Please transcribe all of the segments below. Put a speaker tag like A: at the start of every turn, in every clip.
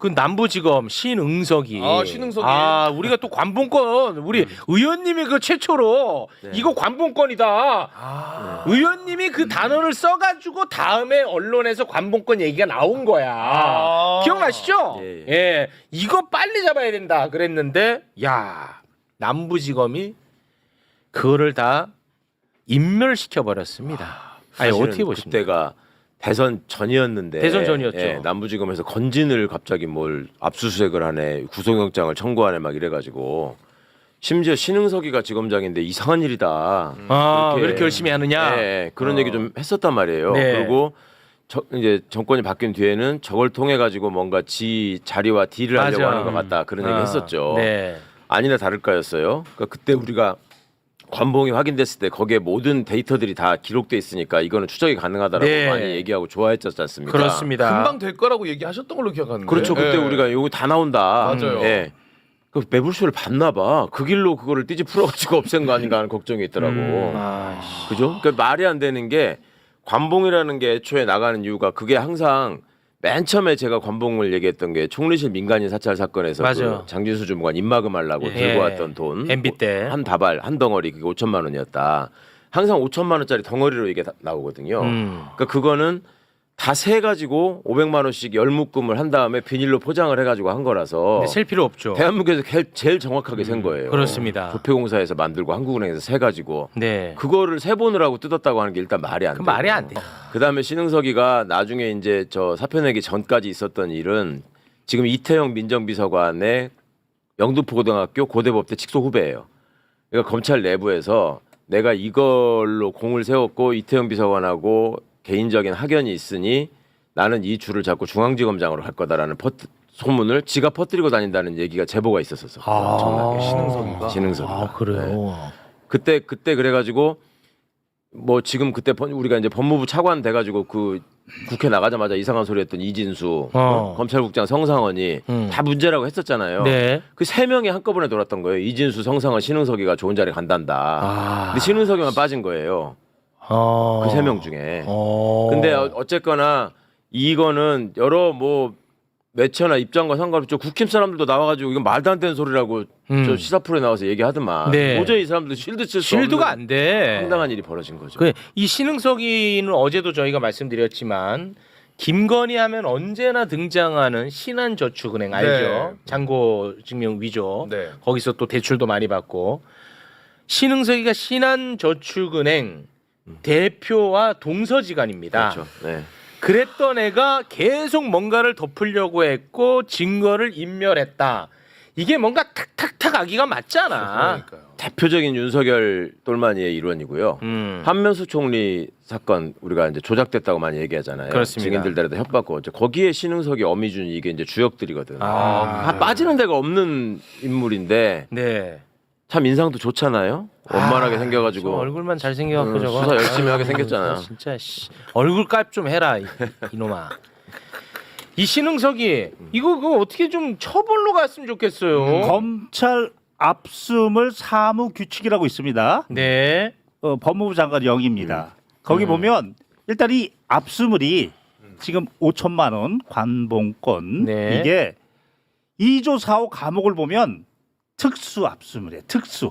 A: 그 남부지검 신응석이.
B: 신응석이.
A: 우리가 또 관봉권 우리 의원님이 그 최초로 이거 관봉권이다. 의원님이 그 단어를 써가지고 다음에 언론에서 관봉권 얘기가 나온 거야. 기억나시죠? 예. 이거 빨리 잡아야 된다 그랬는데 야 남부지검이 그거를 다 인멸시켜 버렸습니다. 아니 어떻게 보십니까?
C: 그때가 대선 전이었는데
A: 대선 전이었죠.
C: 예, 남부지검에서 건진을 갑자기 뭘 압수수색을 하네, 구속영장을 청구하네 막 이래가지고 심지어 신응석이가 지검장인데 이상한 일이다.
A: 왜 이렇게 열심히 하느냐?
C: 예, 그런 얘기 좀 했었단 말이에요.
A: 네.
C: 그리고 이제 정권이 바뀐 뒤에는 저걸 통해 가지고 뭔가 지 자리와 딜을 하려고 하는 것 같다 그런 얘기 했었죠.
A: 네.
C: 아니나 다를까였어요. 그러니까 그때 우리가 관봉이 확인됐을 때 거기에 모든 데이터들이 다 기록돼 있으니까 이거는 추적이 가능하다라고
A: 네.
C: 많이 얘기하고 좋아했었지 않습니까?
A: 그렇습니다.
B: 금방 될 거라고 얘기하셨던 걸로 기억하는데.
C: 그렇죠. 그때
B: 예.
C: 우리가 이거 다 나온다.
B: 맞아요.
C: 예. 그 매불쇼를 봤나 봐. 그 길로 그거를 띠지 풀어가지고 없앤 거 아닌가 하는 걱정이 있더라고. 그죠? 그러니까 말이 안 되는 게 관봉이라는 게 애초에 나가는 이유가 그게 항상 맨 처음에 제가 관봉을 얘기했던 게 총리실 민간인 사찰 사건에서 그 장진수 주무관 입막음하려고 들고 왔던 돈
A: MB 때
C: 한 다발 한 덩어리 그게 5천만 원이었다. 항상 5천만 원짜리 덩어리로 이게 나오거든요. 그러니까 그거는 다 세 가지고 500만 원씩 열묶음을 한 다음에 비닐로 포장을 해가지고 한 거라서
A: 셀 필요 없죠.
C: 대한민국에서 제일 정확하게 센 거예요.
A: 그렇습니다.
C: 부패공사에서 만들고 한국은행에서 세 가지고
A: 네.
C: 그거를 세 번을 하고 뜯었다고 하는 게 일단 말이 안 돼.
A: 말이 안 돼.
C: 그다음에 신응석이가 나중에 이제 저 사표 내기 전까지 있었던 일은 지금 이태영 민정비서관의 영등포고등학교 고대법대 직속 후배예요. 그러니까 검찰 내부에서 내가 이걸로 공을 세웠고 이태영 비서관하고 개인적인 학연이 있으니 나는 이 줄을 잡고 중앙지검장으로 갈 거다라는 소문을 지가 퍼뜨리고 다닌다는 얘기가 제보가 있었어. 엄청나게. 신응석이가.
A: 그래요.
C: 그때 그래가지고 뭐 지금 그때 우리가 이제 법무부 차관 돼가지고 그 국회 나가자마자 이상한 소리 했던 이진수, 검찰국장 성상원이 다 문제라고 했었잖아요.
A: 네.
C: 그 세 명이 한꺼번에 돌았던 거예요. 이진수, 성상원, 신응석이가 좋은 자리 간단다. 근데 신응석이만 빠진 거예요. 그 세 명 중에. 근데 어쨌거나 이거는 여러 뭐 매체나 입장과 상관없이 국힘 사람들도 나와가지고 이건 말도 안 되는 소리라고 저 시사 프로에 나와서 얘기하더만.
A: 네.
C: 도저히 이 사람들 실드 칠 수 없는
A: 실드가 안 돼.
C: 황당한 일이 벌어진 거죠.
A: 이 신응석이는 어제도 저희가 말씀드렸지만 김건희 하면 언제나 등장하는 신한저축은행 알죠?
B: 네.
A: 잔고증명 위조.
B: 네.
A: 거기서 또 대출도 많이 받고. 신응석이가 신한저축은행 대표와 동서지간입니다.
C: 그렇죠. 네.
A: 그랬던 애가 계속 뭔가를 덮으려고 했고 증거를 인멸했다. 이게 뭔가 탁탁탁 아기가 맞잖아.
B: 그러니까요.
C: 대표적인 윤석열 똘마니의 일원이고요. 한명수 총리 사건 우리가 이제 조작됐다고 많이 얘기하잖아요.
A: 그렇습니다.
C: 증인들들한테 협박고 거기에 신응석이 어미준 이게 이제 주역들이거든. 빠지는 데가 없는 인물인데
A: 네.
C: 참 인상도 좋잖아요. 원만하게 생겨가지고
A: 저 얼굴만 잘 생겨갖고 저거
C: 수사 열심히 하게 생겼잖아요.
A: 진짜 얼굴 깔 좀 해라 이놈아. 이 신응석이 이거 그거 어떻게 좀 처벌로 갔으면 좋겠어요.
D: 검찰 압수물 사무 규칙이라고 있습니다.
A: 네.
D: 법무부 장관 영입니다. 거기 보면 일단 이 압수물이 지금 5천만 원 관봉권
A: 네.
D: 이게 2조 4호 감옥을 보면 특수 압수물이에요. 특수.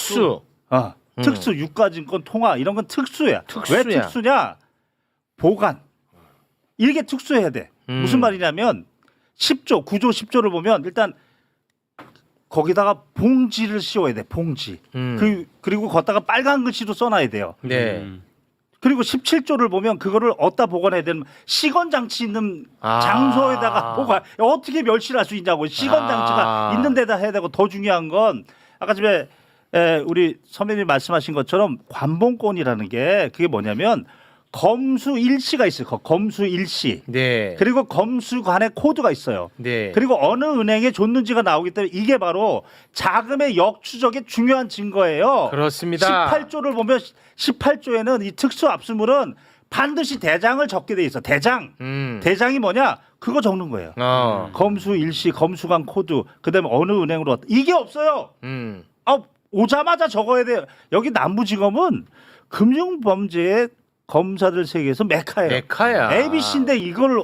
D: 특수 유가증권 통화 이런 건 특수야.
A: 특수야.
D: 왜 특수냐? 보관. 이게 특수해야 돼. 무슨 말이냐면 10조, 9조, 10조를 보면 일단 거기다가 봉지를 씌워야 돼. 봉지. 그리고 걷다가 빨간 글씨로 써놔야 돼요.
A: 네.
D: 그리고 17조를 보면 그거를 어디다 보관해야 되는 시건 장치 있는 장소에다가 보관. 어떻게 멸실할 수 있냐고. 시건 장치가 있는 데다 해야 되고 더 중요한 건 아까 전에 우리 선배님이 말씀하신 것처럼 관봉권이라는 게 그게 뭐냐면 검수 일시가 있어요. 검수 일시.
A: 네.
D: 그리고 검수관의 코드가 있어요.
A: 네.
D: 그리고 어느 은행에 줬는지가 나오기 때문에 이게 바로 자금의 역추적의 중요한 증거예요.
A: 그렇습니다.
D: 18조를 보면 18조에는 이 특수 압수물은 반드시 대장을 적게 돼 있어. 대장. 대장이 뭐냐? 그거 적는 거예요. 검수 일시, 검수관 코드, 그다음에 어느 은행으로 왔다. 이게 없어요. 오자마자 적어야 돼요. 여기 남부지검은 금융범죄에 검사들 세계에서 메카예요.
A: 메카야.
D: ABC인데 이거를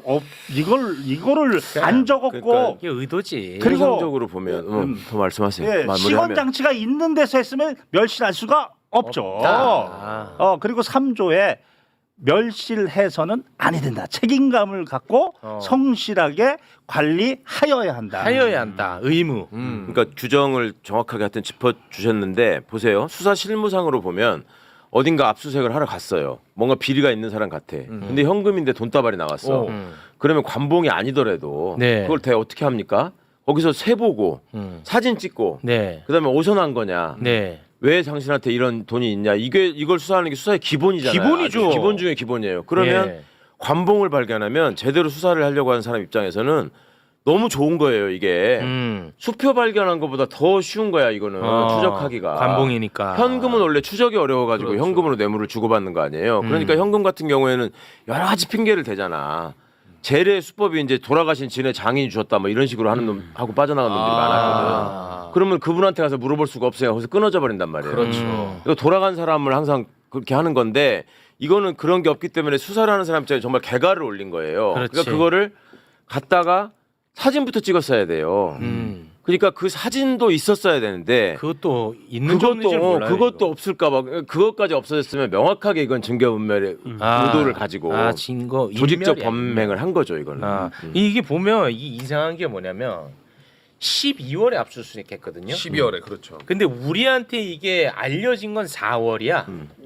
D: 안 적었고
C: 그러니까
A: 이게 의도지.
D: 그리고
C: 통상적으로 보면 더 말씀하세요.
D: 예,
C: 마무리하면.
D: 시건 장치가 있는 데서 했으면 멸실할 수가 없죠.
A: 없다.
D: 그리고 3조에 멸실해서는 아니 된다. 책임감을 갖고 성실하게 관리하여야 한다.
A: 하여야 한다. 의무.
C: 그러니까 규정을 정확하게 하여튼 짚어 주셨는데 보세요. 수사 실무상으로 보면 어딘가 압수수색을 하러 갔어요. 뭔가 비리가 있는 사람 같아. 근데 현금인데 돈다발이 나왔어. 그러면 관봉이 아니더라도
A: 네.
C: 그걸 대 어떻게 합니까? 거기서 세 보고 사진 찍고
A: 네.
C: 그다음에 오선한 거냐?
A: 네.
C: 왜 당신한테 이런 돈이 있냐? 이걸 수사하는 게 수사의 기본이잖아요.
A: 기본이죠.
C: 아주 기본 중에 기본이에요. 그러면
A: 예.
C: 관봉을 발견하면 제대로 수사를 하려고 하는 사람 입장에서는 너무 좋은 거예요. 이게 수표 발견한 것보다 더 쉬운 거야. 이거는 추적하기가.
A: 관봉이니까.
C: 현금은 원래 추적이 어려워가지고
B: 그렇죠.
C: 현금으로 뇌물을 주고받는 거 아니에요. 그러니까 현금 같은 경우에는 여러 가지 핑계를 대잖아. 재래 수법이 이제 돌아가신 진의 장인이 주셨다 뭐 이런 식으로 하는 놈 하고 빠져나간 놈들이 많았거든. 그러면 그분한테 가서 물어볼 수가 없어요. 거기서 끊어져 버린단 말이에요.
B: 그렇죠.
C: 이거 돌아간 사람을 항상 그렇게 하는 건데 이거는 그런 게 없기 때문에 수사를 하는 사람 입장에 정말 개가를 올린 거예요.
A: 그렇지.
C: 그러니까 그거를 갖다가 사진부터 찍었어야 돼요. 그러니까 그 사진도 있었어야 되는데
A: 그것도 있는 줄 몰라요.
C: 그것도
A: 이거.
C: 없을까봐 그것까지 없어졌으면 명확하게 이건 증거분멸의 의도를 가지고
A: 증거
C: 조직적
A: 인멸이야,
C: 범행을 한 거죠 이거는.
A: 이게 보면 이 이상한 게 뭐냐면 12월에 압수수색했거든요.
B: 12월에 그렇죠.
A: 근데 우리한테 이게 알려진 건 4월이야.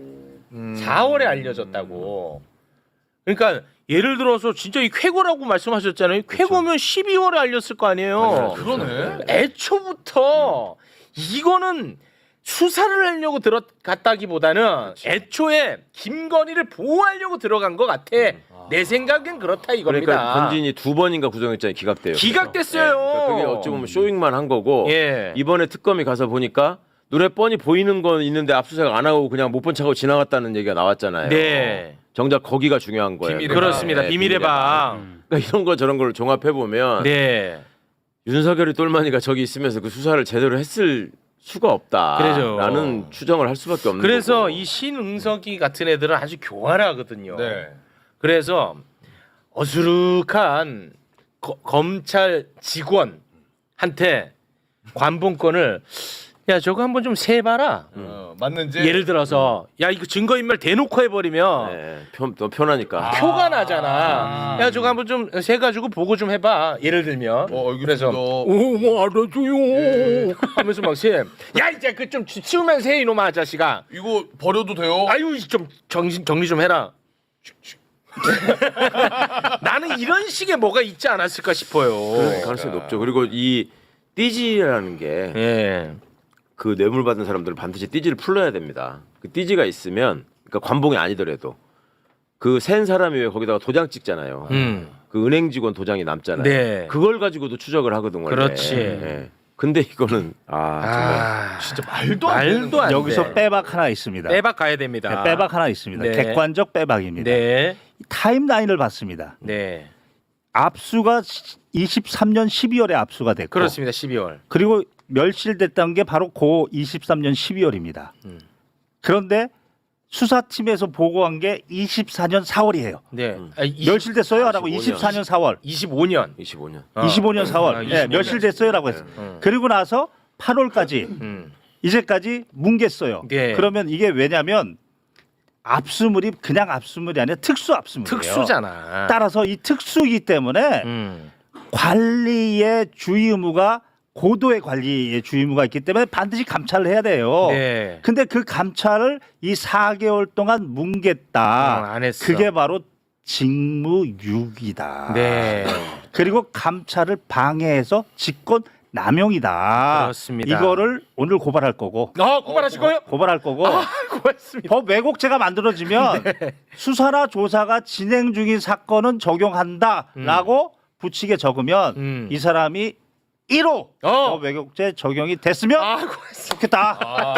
A: 4월에 알려졌다고. 그러니까 예를 들어서 진짜 이 쾌거라고 말씀하셨잖아요. 쾌거면 12월에 알렸을 거 아니에요.
B: 그러네.
A: 애초부터 이거는 수사를 하려고 들어갔다기보다는 애초에 김건희를 보호하려고 들어간 것 같아. 내 생각엔 그렇다 이겁니다.
C: 그러니까 건진이 2번인가 구속영장이 기각돼요.
A: 기각됐어요.
C: 그러니까 그게 어찌 보면 쇼잉만 한 거고
A: 예.
C: 이번에 특검이 가서 보니까 눈에 뻔히 보이는 건 있는데 압수수색 안 하고 그냥 못 본 척하고 지나갔다는 얘기가 나왔잖아요.
A: 네.
C: 정작 거기가 중요한 거예요.
B: 비밀의
A: 그렇습니다.
C: 네,
A: 비밀의 방.
C: 그러니까 이런 거 저런 걸 종합해 보면
A: 네.
C: 윤석열이 똘마니가 저기 있으면서 그 수사를 제대로 했을 수가 없다라는
A: 그래죠.
C: 추정을 할 수밖에 없는
A: 그래서
C: 거고.
A: 이 신응석이 같은 애들은 아주 교활하거든요.
B: 네.
A: 그래서 어수룩한 검찰 직원한테 관봉권을 야 저거 한번 좀 세봐라.
B: 맞는지.
A: 예를 들어서 야 이거 증거인멸 대놓고 해버리면
C: 네, 더 편하니까.
A: 표가 나잖아. 야 저거 한번 좀 세가지고 보고 좀 해봐. 예를 들면. 그래서 뭐 알아줘요. 하면서 막 세. 야 이제 그 좀 치우면서 해 이놈아 아저씨가.
B: 이거 버려도 돼요?
A: 아유 좀 정리 좀 해라. 나는 이런 식의 뭐가 있지 않았을까 싶어요.
C: 그럴 가능성이 높죠. 그리고 이 띠지라는 게
A: 예.
C: 그 뇌물 받은 사람들은 반드시 띠지를 풀러야 됩니다. 그 띠지가 있으면 그러니까 관봉이 아니더라도 그 센 사람이 왜 거기다가 도장 찍잖아요. 그 은행 직원 도장이 남잖아요.
A: 네.
C: 그걸 가지고도 추적을 하거든 원래.
A: 그렇지.
C: 예. 근데 이거는 정말
B: 진짜 말도 안 되는
A: 말도 안 돼.
D: 여기서 빼박 하나 있습니다.
A: 빼박 가야 됩니다.
D: 네, 빼박 하나 있습니다.
A: 네.
D: 객관적 빼박입니다.
A: 네.
D: 타임라인을 봤습니다.
A: 네.
D: 압수가 23년 12월에 압수가 됐고
A: 그렇습니다. 12월.
D: 그리고 멸실됐던 게 바로 고 23년 12월입니다. 그런데 수사팀에서 보고한 게 24년 4월이에요.
A: 네.
D: 멸실됐어요? 라고
C: 25년.
D: 24년 4월.
A: 25년.
C: 25년.
D: 25년 4월. 네,
A: 25년.
D: 멸실됐어요? 라고 했어요. 그리고 나서 8월까지 이제까지 뭉갰어요.
A: 네.
D: 그러면 이게 왜냐면 압수물이 그냥 압수물이 아니라 특수 압수물이에요.
A: 특수잖아.
D: 따라서 이 특수이기 때문에 관리의 주의 의무가 고도의 관리의 주의 의무가 있기 때문에 반드시 감찰을 해야 돼요.
A: 네.
D: 근데 그 감찰을 이 4개월 동안 뭉갰다.
A: 안 했어.
D: 그게 바로 직무유기다.
A: 네.
D: 그리고 감찰을 방해해서 직권 남용이다.
A: 그렇습니다.
D: 이거를 오늘 고발할 거고.
A: 고발하실 거예요?
D: 고발할 거고.
A: 고맙습니다.
D: 법 왜곡죄가 만들어지면 수사나 조사가 진행 중인 사건은 적용한다라고 붙이게 적으면 이 사람이 1호 법 왜곡죄 적용이 됐으면
A: 고맙습니다.
D: 좋겠다.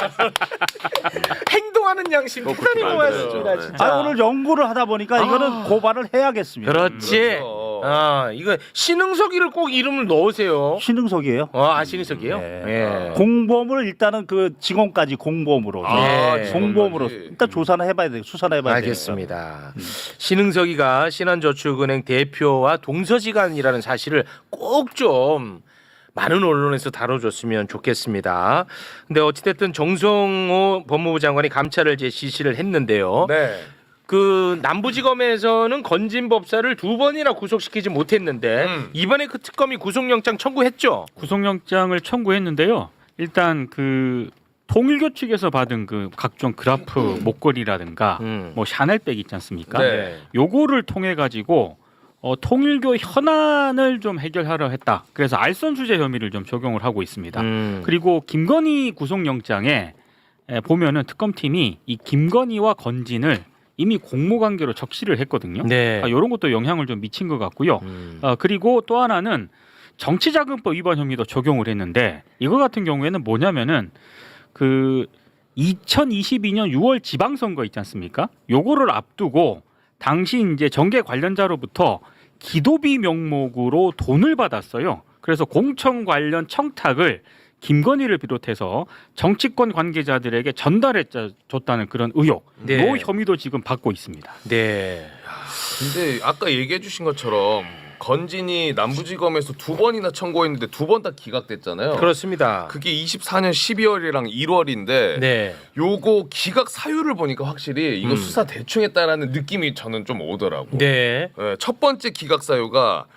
A: 행동하는 양심 대단히
C: 그렇게
A: 고맙습니다.
C: 만들어야죠.
A: 진짜.
D: 오늘 연구를 하다 보니까 이거는 고발을 해야겠습니다.
A: 그렇지. 이거 신흥석이를 꼭 이름을 넣으세요.
D: 신흥석이에요.
A: 신흥석이에요?
D: 네.
A: 예.
D: 공범을 일단은 그 증언까지 공범으로.
A: 네.
D: 공범으로
B: 증언까지.
D: 일단 조사는 해봐야 돼. 수사는 해봐야 돼.
A: 알겠습니다. 신흥석이가 신한저축은행 대표와 동서지간이라는 사실을 꼭 좀 많은 언론에서 다뤄줬으면 좋겠습니다. 근데 어찌됐든 정성호 법무부 장관이 감찰을 지시를 했는데요.
B: 네.
A: 그 남부지검에서는 건진 법사를 2번이나 구속시키지 못했는데 이번에 그 특검이 구속영장 청구했죠.
E: 구속영장을 청구했는데요. 일단 그 통일교 측에서 받은 그 각종 그라프 목걸이라든가 뭐 샤넬백 있지 않습니까?
B: 네.
E: 요거를 통해 가지고 통일교 현안을 좀 해결하려 했다. 그래서 알선 수재 혐의를 좀 적용을 하고 있습니다. 그리고 김건희 구속영장에 보면은 특검팀이 이 김건희와 건진을 이미 공모관계로 적시를 했거든요.
A: 네.
E: 이런 것도 영향을 좀 미친 것 같고요. 그리고 또 하나는 정치자금법 위반 혐의도 적용을 했는데 이거 같은 경우에는 뭐냐면은 그 2022년 6월 지방선거 있지 않습니까? 요거를 앞두고 당시 이제 정계 관련자로부터 기도비 명목으로 돈을 받았어요. 그래서 공천 관련 청탁을 김건희를 비롯해서 정치권 관계자들에게 전달해 줬다는 그런 의혹,
A: 네.
E: 요 혐의도 지금 받고 있습니다.
A: 네.
B: 근데 아까 얘기해 주신 것처럼 건진이 남부지검에서 2번이나 청구했는데 2번 다 기각됐잖아요.
A: 그렇습니다.
B: 그게 24년 12월이랑 1월인데
A: 네.
B: 요거 기각 사유를 보니까 확실히 이거 수사 대충 했다라는 느낌이 저는 좀 오더라고.
A: 네.
B: 예, 첫 번째 기각 사유가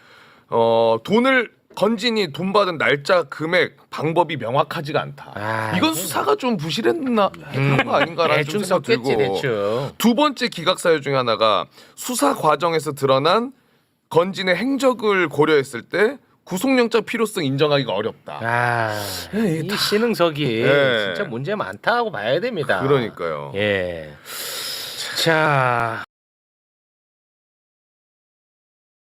B: 돈을 건진이 돈 받은 날짜, 금액, 방법이 명확하지가 않다. 이건 수사가 좀 부실했나 한 거 아닌가라는 좀
A: 대충
B: 생각
A: 썼겠지
B: 들고.
A: 대충.
B: 두 번째 기각 사유 중에 하나가 수사 과정에서 드러난 건진의 행적을 고려했을 때 구속영장 필요성 인정하기가 어렵다.
A: 이 신흥석이
B: 네.
A: 진짜 문제 많다고 봐야 됩니다.
B: 그러니까요.
A: 예. 자.